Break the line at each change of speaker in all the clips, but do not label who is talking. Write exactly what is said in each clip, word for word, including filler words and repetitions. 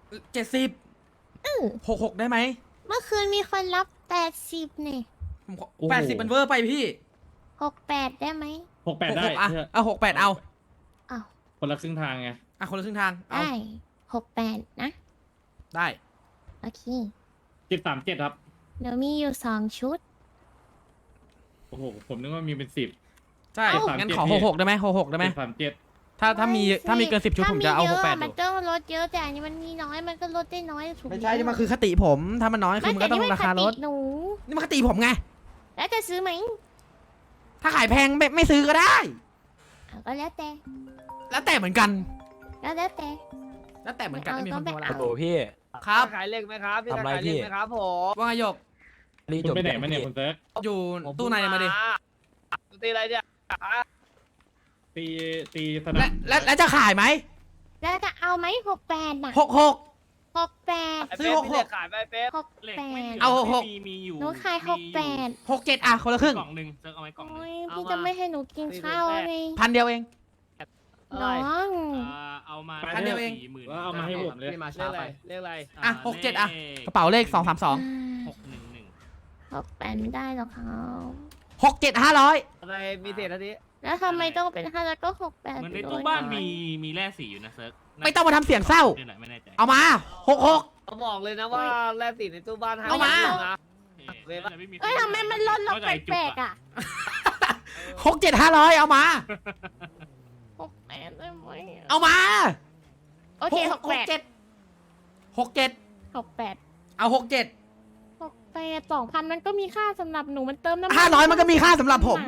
เจ็ดสิบหกหกได้ไหม
เมื่อคืนมีคนรับแปดสิบเนี่ย
แปดสิบมันเวอร์ไปพี่
หกแปดได้ไหม
หกแปดได้
อ่ะเอาหกแปดเอา
เอา
คนละครึ่งทางไง
อ่ะคนละครึ่งทางเอา
ได้หกแปดนะ
ได้
โอเค
เจ็ดสามเจ็ดครับ
เดี๋ยวมีอยู่สองชุด
โอ้โหผมนึกว่ามีเป็นสิบ
ใช่งั้นขอหกหกได้ไหมหกหกได้ไหม
สามเจ็ด
ถ้าถ้ามีถ้ามีเกินสิบชุดผมจะเอาหกแปด
มันต้องลดเยอะแต่อันนี้มันมีน้อยมันก็ลดได้น้อยถูก
ไม่ใช่นี่มันคือคติผมถ้ามันน้อยคือมันก็ต้องราคาลด
หนู
นี่มันคติผมไง
แล้วจะซื้อไหม
ถ้าขายแพงไม่ไม่ซื้อก็ได้
ก็แล้วแต่
แล้วแต่เหมือนกัน
แล้วแล้วแต่
แล้วแต่เหมือนกันไม่มีคนโทรแล้ว
โอ้พี่
ครับ
ขายเล็กไหมครับพี่ขายเล็กไหมครับผม
ว่าไงหยก
คุณไปไหนมาเนี่ยคุณเซิร์ฟ
อยู่ตู้ในมาดิ
ตีอะไรเนี่ย
ตีตีสนาม
แล้วแล้วจะขายไหม
แล้วจะเอาไหมหกแปดน่ะ
หกหก
หกแปด
ซื้อหกหก
ขายไปเป๊ะ
หกแปด
เอาหกหก
หนูขายหกแปด
หกเจ็ดอ่ะคนละครึ่ง
กล่องหนึ่งเซิร์ฟเอาไว้กล่องหนึ่ง
พี่จะไม่ให้หนูกินข้าวเลย
พันเดียวเอง
น้อง
เอามา
พันเดียวเอง
เอามาให้ผมเลย
เรียกอะไรเรียกอะไร
อ่ะหกเจ็ดอ่ะกระเป๋าเลขสองสามสอง
หกหนึ่งหนึ่ง
หกแปดไม่ได้หรอกเขา
หกเจ็ดห้าร้อย
อะไรมีเศษที
แล้วทำไมต้องเป็นห้าแล้วก็หกแปด
เหมือนในตู้บ้านมีมีแร่สีอยู่นะเซิร์ฟ
ไม่ต้องมาทำเสียงเศร้าเอามาหกหก
เขาบอกเลยนะว่าแร่สีในตู้บ้าน
เอามา
เอ้ยทำไมมันลดลงแปลกๆอ่ะ
หกเจ็ดห้าร้อยเอามา
หกแปดได้ไหม
เอามา
โอเคหกแปด
เจ็ดหกเจ็ด
หกแปด
เอาหกเจ็ด
หกแปดสองพันมันก็มีค่าสำหรับหนูมันเติมน้ำ
ห้าร้อยมันก็มีค่าสำหรับผม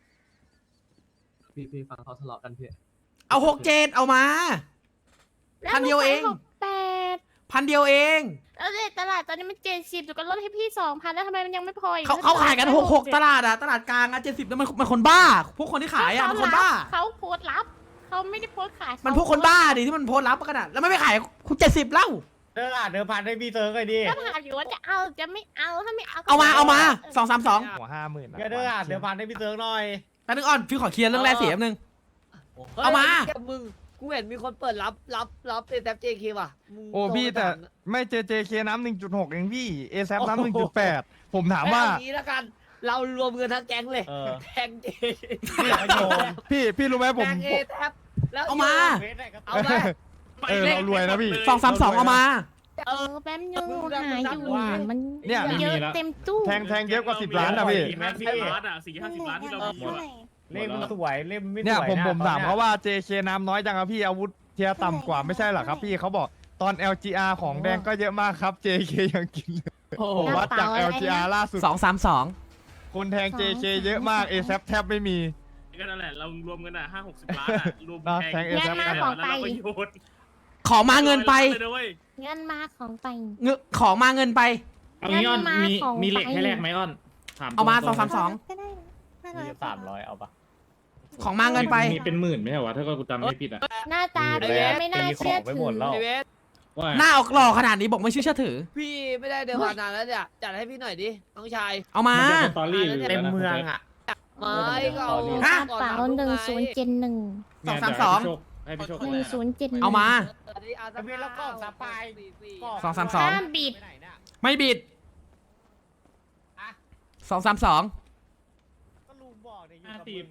พี่พี่ฟังเขาทะเลาะกันพี่
เอาหกเจ็ดเอามาพันเดียวเอง
หกแปด
พันเดียวเอง
แล้วในตลาดตอนนี้มันเจ็ดสิบหนูก็ลดให้พี่สองพันแล้วทำไมมันยังไม่พออีก
เขาเขาขายกันหกหกตลาดอะตลาดกลางอะเจ็ดสิบแล้วมันมันคนบ้าพวกคนที่ขายอะมันคนบ้า
เขาโพสรับเขาไม่ได้โพสขาย
มันพวกคนบ้าดิที่มันโพสรับกันอะแล้วไม่ไปขายคุณเจ็ดสิบเล่า
เดินอ่ะเดินผ่านให้พี่เซิร์ฟเลยดิ
ก็ถามอยู่ว่าจะเอาจะไม่เอาถ้าไม่เอา
เอามาเอามาสองสามสอง
หัวห้าหมื่นเดินอ่ะเดินผ่านให้พี่เซิร์ฟหน่อย
แป๊บนึงอ่อนพี่ขอเคลียร์เรื่องแรกเสียแป๊บนึงเอามา
มึงกูเห็นมีคนเปิดรับรับรับเอแซฟเจเคว่ะ
โอ้พี่แต่ไม่เจเจเคน้ำหนึ่งจุดหกเองพี่เอแซฟน้ำหนึ่งจุดแปดผมถามว่า
นี้แล้วกันเรารวมเงินทั้งแก๊งเลยแก๊งเจ
พี่พี่รู้ไหมผม
แก๊งเอแซฟแล้ว
เอามา
เอามา
เออเรารวยนะพี่
สองสามสองเอามา
เออแป๊บนึงหาอยู่มัน
เนี่ย
เยอะเต็มตู้
แทงแทงเยอะกว่าสิบล้านนะพี่
สี่ห้าสิบล้านอ่ะสี่ห้าสิบล้านที่เรามีอยู่
เล่มสวยเล่มไม่สวย
เนี่ยผมผมถามเขาว่า เจ เค น้ำน้อยจังครับพี่อาวุธเทียต่ำกว่าไม่ใช่หรอครับพี่เขาบอกตอน แอล จี อาร์ ของแดงก็เยอะมากครับ เจ เค ยังกินผมวัดจาก แอล จี อาร์ ล่าสุด
สองสามสอง
คนแทง เจ เค เยอะมาก เอ แซฟ แทบไม่มี
ก็นั่นแหละเรารวมกันอ่ะห้าหกสิบล้านอ่ะรวม
แทง เอ แซฟ
มาของไป
ขอมาเงินไป
เงินมาของไป
เงินขอมาเงินไป
เอางี้อ้อนมีมีเหล็กให้แลกไหมอ้อน
เอามาสองสามสอง
มีสามร้อยเอาปะ
ของมาเงินไป
มีเป็นหมื่นไม่ใช่วะถ้าก็กูจำไม่ผิดอ่ะ
หน้าตาไม่น่าเชื่อถือ
หน้าออกหล่อขนาดนี้บอกไม่เชื่อถือ
พี่ไม่ได้เดินผ่านนานแล้วเนี่ยจัดให้พี่หน่อยดิน้องชาย
เอามา
เต็มเมืองอ่ะไม่ก็เอา
กระเป๋าหนึ่งศูนย์เจ็ดหนึ่ง
สองสามสอง
หนึ่งศูนย์เจ็ด
เอามา
เวียนแล้วก็สปาย
สองสามสอง
บิด
ไม่บิดสองสามสอง
ก็ลุงบอกเนี่ยอยู่กับมึง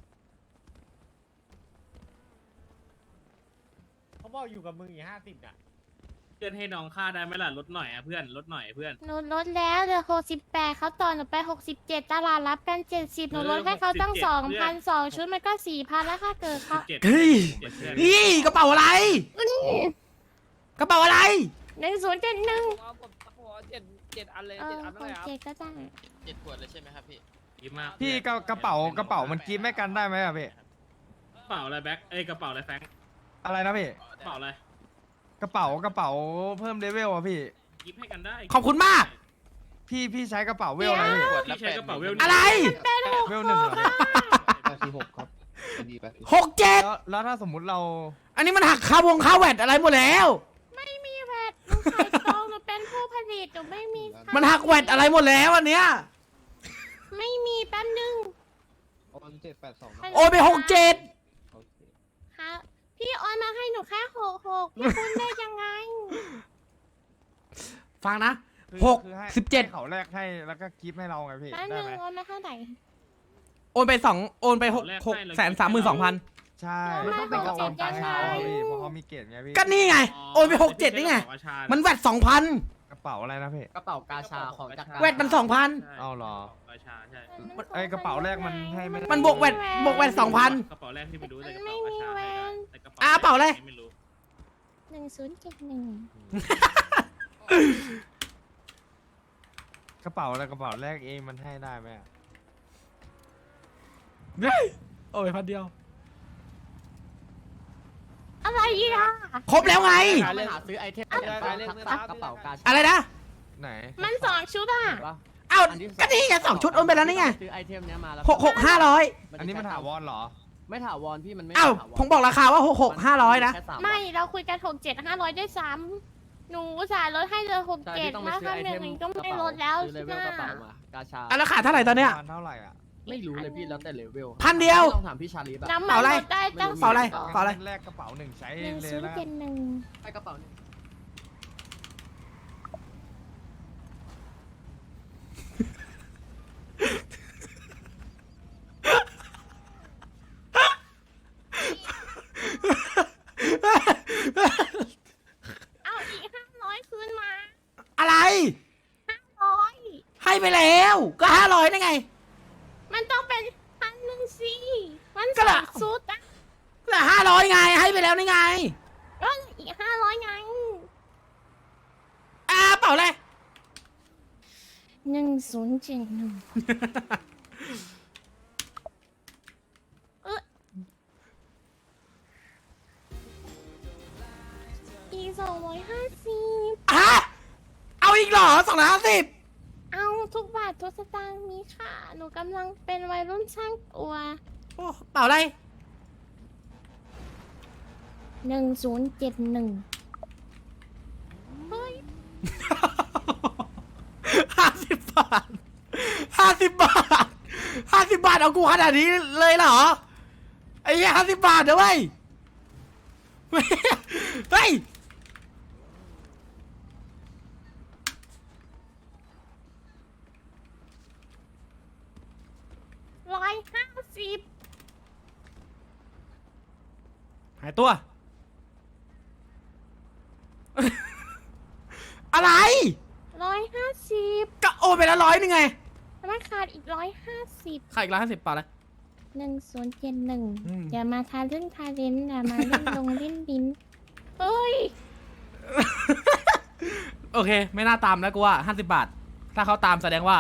เขาบอกอยู่กับมึงอยู่ห้าสิบอ่ะ
เพื่อนให้น้องค่าได้ไหมล่ะลดหน่อยอ่ะเพื่อนลดหน่อยเพื่อน
หนูลดแล้วเหลือหกสิบแปดเขาต่อหนูไปหกสิบเจ็ดตลาดรับกันเจ็ดสิบหนูลดให้เขาตั้งสองพันสองชุดมันก็สี่พันแล้วค่ะเกิดเขา
เฮ้ยนี่กระเป๋าอะไรกระเป๋าอะไร
หนึ่งศูนย์เจ็ดหนึ่ง
เจ็ดเจ็ดอันเลย
เจ็ดอันเลยครับเจ็ดก็ได้
เจ็ดขวดเลยใช่ไหมครับพี่
ยิ้มมาก
พี่กระเป๋ากระเป๋ามันกินไม่กันได้ไหมอะพี่
กระเป๋าอะไรแบ็คเอ้ยกระเป๋าอะไรแฟง
อะไรนะพี่
กระเป๋าอะไร
กระเป๋ากระเป๋าเพิ่มเลเวลอะพี่
ยิบให้กันได้
ขอบคุณมาก
พี่พี่ใช้กระเป๋าเวลอะไร
พี่ใช้กระเป๋าเวล
อะไร
เวลหนึ่ง
แปดสิบหกครับ
หกเจ็ด
แล้วถ้าสมมุติเรา
อันนี้มันหักค่าวงค่าแวดอะไรหมดแล้ว
ไม่มีแวดหนูขายตรงหนูเป็นผู้ผลิตหนูไม่มี
มันหักแวดอะไรหมดแล้วอันเนี้ย
ไม่มีแป๊บนึง
โอนเจ็ดแปดสอง
โอนไปหกเจ็ด
ค่ะพี่โอนมาให้หนูแค่หกหกพี่คุณได้ยังไง
ฟังนะ
คือ
หก
คือให้
สิบเจ็ด
ให้เขาแลกให้แล้วก็กิฟต์ให้เราไงพี่
แป๊บ
ได้
นึง
ไหม
โอนมาเท่าไหร่
โอนไปสองโอนไปหกหกแสนสามหมื่นสองพัน
ใช่
ไม่
มันต้องเป็น
หก
กระ
เจ็
โอน
ด
ตังค์ให้
ยังไง
เขาพี่เพราะเขามีเกรดไงพี่
ก็นี่ไง โอนไปหกเจ็ดนี่ไง มันแวดสองพัน
กระเป๋าอะไรนะพี่
กระเป๋ากาชาของจักร
แวดมันสองพัน
เอาเหรอ
กาชาใช่
ไอกระเป๋าแรกมันให้ไม่ได้
มันบวกแวดบวกแวดสองพัน
กระเป๋าแรกที่ไม่รู้แต่ก
มั
ระ
น
เป๋า
ไม่
กา
มี
ชา
แว
ให้ได้
น
แต่กระ
อ่ะเป๋าอะไร
ไม่รู้
หนึ่งศูนย์เจ็ดหนึ่ง
กระเป๋าอะไรกระเป๋าแรกเองมันให้ได้ไหมอะ
เฮ้ยโอ้ยพันเดียว
อะไรอ่ะ
ครบแล้วไง
การหาซื้อไอเทมการเล่นกระเป๋ากาชา
อะไรนะ
ไหน
มันสองชุดอ่ะ
เอ้าก็นี่ไงสองชุดโอนไปแล้วนี่ไง
ซื้อไอเทมเนี้ยมาแล้ว
หกหกห้าร้อย
อันนี้มันถาวรเหรอ
ไม่ถาวรพี่มันไม่
เอ้า
ถาวร
ผมบอกราคาว่าหกหกห้าร้อยนะ
แค่สาวัน
ไม่เราคุยกันหกเจ็ดห้าร้อยด้วยซ้ำหนูอุตส่าห์ลดให้เลยหก
ใช่
เจ็ด
พี่ต้องไป
มา
ซื้อ
ทำ
ไอ
อย่า
เท
ง
ม
นี้ก็
กระ
ไม่
เป๋า
ลดแล้ว
ซื้อเลเวลกระเป๋ามากาชา
อ่ะแล้วขายเท่าไหร่ตอนเนี้ย
ประมาณเท่าไหร่อ่ะ
ไม่รู้เลยพี่แล้วแต่เลเวล
พันเดียว
ต้องถามพี่ชาลีแบบ
น้ำ
เป๋า
มัน
อะไร
ลดได้ตั้ง
เป๋าอะไร
สิบ
เป๋าอะไร
แรกกระเป๋าหนึ่งใช้
หนึ่ง
เลย
ศูนย์
แล้ว
เจ็ดหนึ่ง
ไปกระเป๋าหนึ่ง
เอาอีกห้าร้อยคืนมา
อะไร
ร้อย
ให้ไปแล้ว ก็ห้าร้อยได้ไง
มันต้องเป็นพันหนึ่งสิมัน
ก็
ส
ละ
องชุดอ่ะ
ก็ห้าร้อยไง ให้ไปแล้วนี่ไง
ก็อีกห้าร้อยไง
อ่าเปล่าเลย
หนึ่งศูนย์เจ็ดหนึ่งเอออีกสองร้อยห้าสิบ
ฮะเอาอีกเหรอสองร้อยห้าสิบ
เอาทุกบาททุกสตางค์มีค่ะ หนูกำลังเป็นวัยรุ่นช่างตัว
โอ้เปล่าอะไร
หนึ่งศูนย์เจ็ดหนึ่งเฮ้ย
ห้าสิบบาทห้าสิบบาทห้าสิบบาทเอากูขนาดนี้เลยเหรอ ไอ้เหี้ยห้าสิบบาทเดี๋ยวเว้ยเฮ้ย
ร้อยห้าสิบ
หายตัว อะไร
ร้อยห้าสิบ
ก็โอนไปแล้วร้อยนึงไง
มันขาดอีกร้อยห้าสิบ
ขายอีกร้อยห้าสิบเปล่าเลย
หนึ่งศูนย์เจ็ดหนึ่ง
อืม
อย่ามาทาเล่นทาเล่นอย่ามาเล่นลงเล่นดินเฮ้ย
โอเค ไม่น่าตามแล้วกูว่าห้าสิบบาท ถ้าเขาตามแสดงว่า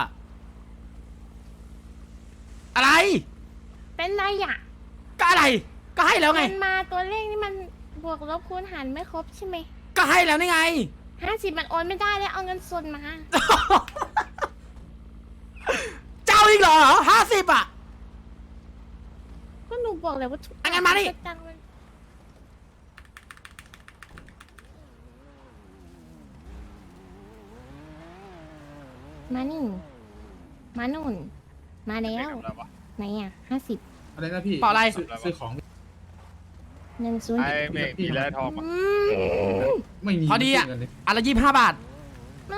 อะไร
เป็นไรอ่ะ
ก็อะไร ก็ให้แล้วไง
มันมาตัวเลขนี่มันบวกลบคูณหารไม่ครบใช่ไหม
ก็ให้แล้วนี่ไง
ห้าสิบมันโอนไม่ได้เลยเอาเงินสดมา
เจ้าอีกเหรอห้าสิบอ่ะ
ก็หนูบอกเลยว่าทุก
อ่ะงั้นมาดิ
สตางค์มันมานี่มานุ่น มาแล้วไหนอ่ะห้าสิบ
อะไรนะพี่
เปล่าอะไร
ซื้อของ
หนึ่งศูนย์
ไอ้เมฆมีแล้วทอง
อืม
ไม่มี
พอดีอ่ะ
เงินเลย
อันละยี่สิบห้าบาท
ไม่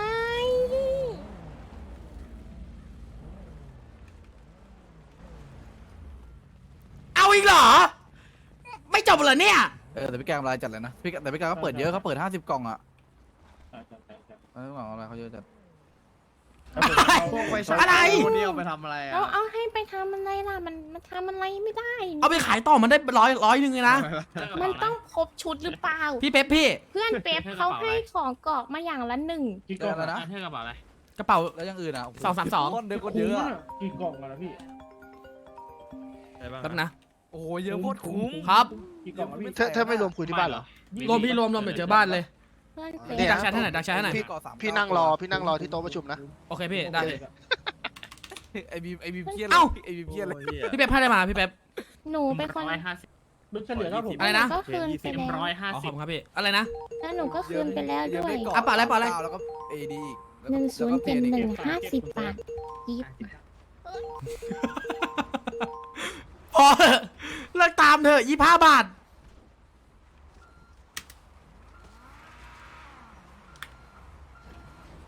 เอาอีกเหรอ ไม่จบเหรอเนี่ย
เออแต่พี่แกงรายจัดเลยนะพี่แกแต่พี่แกงก็เปิดเยอะเขาเปิดห้าสิบกล่องอ่ะ
ใช่ใช่ใช่ใช่
เออกล่องอะไรเขาเยอะจัด
พวกไปใช้
อะไร
คนเดียวไปทำอะไรอ่ะ
เราเอาให้ไปทำอะไรล่ะ มันมันทำอะไรไม่ได้
เอาไปขายต่อมันได้ร้อยร้อยหนึ่งเลยนะ
มันต้องครบชุดหรือเปล่า
พี่เป๊ปพี่
เพื่อนเป๊ปเขาให้ของกรอกมาอย่างละหนึ่ง
กี่กล่องแล้วนะเท่กระเป๋าอะไร
กระเป๋า
แล้วอยังอื่นอ่ะโโห
สองสามสอง
คนเดียวคนเยอะอะ
กี่กล่องแล้วพี่อะไรบ้าง
แป๊บนะ
โอ้โหเยอะโคตรคุ้ม
ครับ
กี่กล่องแล้วพี่
ถ้าถ้าไม่รวมคุยที่บ้านเหรอ
รวมพี่รวมรวมเดี๋ยวเจอบ้านเลย
เพื่อน
พี่
เป๊ป
ดักแชทให้หน่อยดักแชทให้หน่อย
พี่
ก่อสาม
พี่นั่งรอ พี่นั่งรอที่โต๊ะประชุมนะ
โอเคพี่ ได้
ไอบีมไอบีมเครียด
เอ้า
ไอบีมเครียดเลย
พี่เป๊ปให้ได้มาพี่เป๊ป
หนูเป็นคน
ร้อยห้าสิบลึกเฉลี่ยเท่าผม
อะไรนะ
ก็คืนไป
เอ็ม
แล้ว
ร้อยห้า
อ๋อข
สิ
อบบ คุณครับพี่ อะไรนะ
แล้วหนูก็คืนไปแล้วด้วย
อ่ะเปล่าอะไรเปล่าอะไร
แล้วก็เอดีอีก
หนึ่งศูนย์เจ็ดหนึ่งห้าสิบบาทยิบ
พอเถอะเลิกตามเถอะยี่ห้าบาท
ห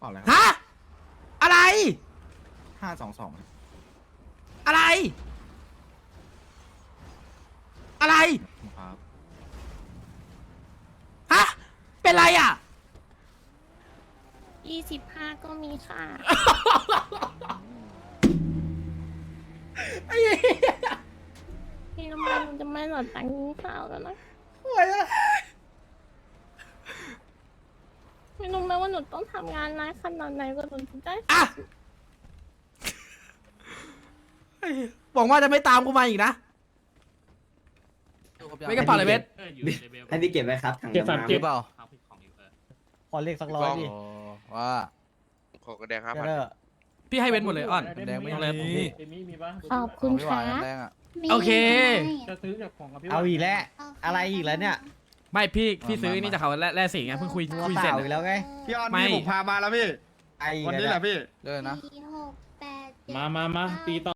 าอะไรครับ
ฮะอะไร
ห้าสองสอง
อะไร อะไร
ครับ
ฮะเป็นไรอ่ะ
ยี่สิบห้าก็มีค่ะ
ไอ้เหี้ย
พี่น้ำมันจะไม่หลอดตังค์กินข้าวแล้วนะ
โอ้ยอะ
ไม่รู้ไหมว่าหนูต้องทำงานนานขนาดไหนกว่าหนูจะได้
อ่ะไอ้เหี้ยหวังว่าจะไม่ตามกูมาอีกนะ ไม่กระเป๋าเลยเบส
เอออยู่ในเลเวล
ให้พี่เก็บไว้ครับถัง
เจ็ดสาม
น้ำ
เจ็
เก็
ด
บเปล่า
เอาผิดของอยู่เออ
ขอเลขสักร้อยดิ
โอ้ว่า
ขอกระแดงครับ
เจอ
พี่ให้เบสหมดเลยอ่อน
แดงไม่
เอาเลย
มี
เดมี่มีปะ
ขอบคุณ
ไม่ไหว
ค่ะ
น้ำแดงอ่ะ
โอเค
จะซื้อจากของกับพี่
เอาอีกแล้ว อะไรอีกแล้วเนี่ย
ไม่พี่พี่ซื้อนี่จากเขาแร่แร่สีไงเพิ่งคุย
ตัว
คุย
เป
เสร็จ
ล่าอีกแล้วไง
พี่ออน
ไม่
นี่ผมพามาแล้วพี่
ไออีก
วัน
แล้ว
นี้แห
เนี่ย
ละพี่
เดินนะ
สี่หกแปดเจ็ด
มามามาตีต่อ